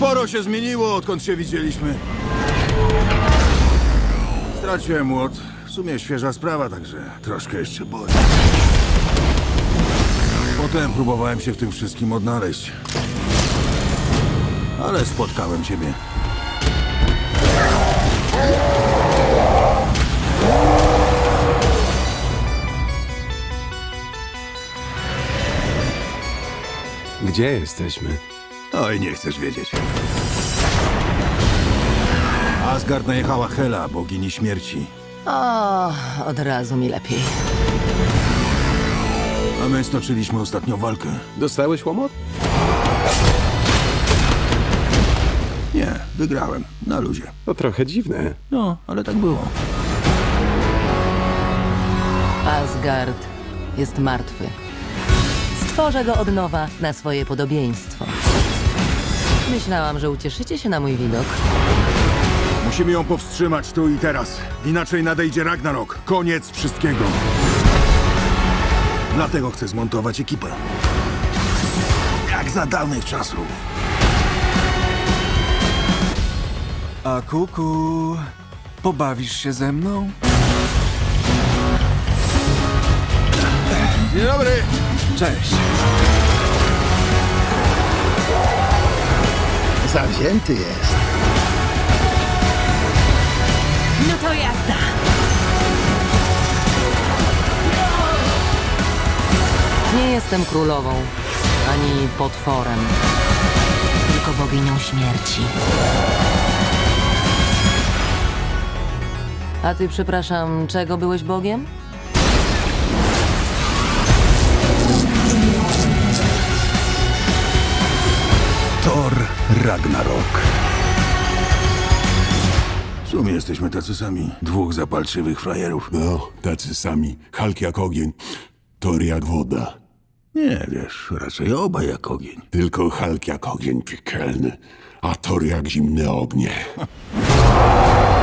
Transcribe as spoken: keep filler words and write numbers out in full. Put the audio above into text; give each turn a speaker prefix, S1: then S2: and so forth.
S1: Sporo się zmieniło, odkąd się widzieliśmy. Straciłem młot. W sumie świeża sprawa, także troszkę jeszcze boli. Potem próbowałem się w tym wszystkim odnaleźć. Ale spotkałem ciebie.
S2: Gdzie jesteśmy?
S1: Oj, nie chcesz wiedzieć. Asgard najechała Hela, bogini śmierci.
S3: O, od razu mi lepiej.
S1: A my stoczyliśmy ostatnią walkę.
S2: Dostałeś łomot?
S1: Nie, wygrałem. Na luzie.
S2: To trochę dziwne.
S1: No, ale tak było.
S3: Asgard jest martwy. Stworzę go od nowa na swoje podobieństwo. Myślałam, że ucieszycie się na mój widok.
S1: Musimy ją powstrzymać tu i teraz. Inaczej nadejdzie Ragnarok. Koniec wszystkiego. Dlatego chcę zmontować ekipę. Jak za dawnych czasów.
S4: A kuku, pobawisz się ze mną?
S1: Dzień dobry.
S4: Cześć.
S5: Zawzięty jest.
S3: No to jazda! Nie jestem królową, ani potworem, tylko boginią śmierci. A ty, przepraszam, czego byłeś bogiem?
S1: Thor Ragnarok. W sumie jesteśmy tacy sami. Dwóch zapalczywych frajerów.
S6: No, tacy sami. Hulk jak ogień, Thor jak woda.
S1: Nie, wiesz, raczej obaj jak ogień.
S6: Tylko Hulk jak ogień piekielny, a Thor jak zimne ognie.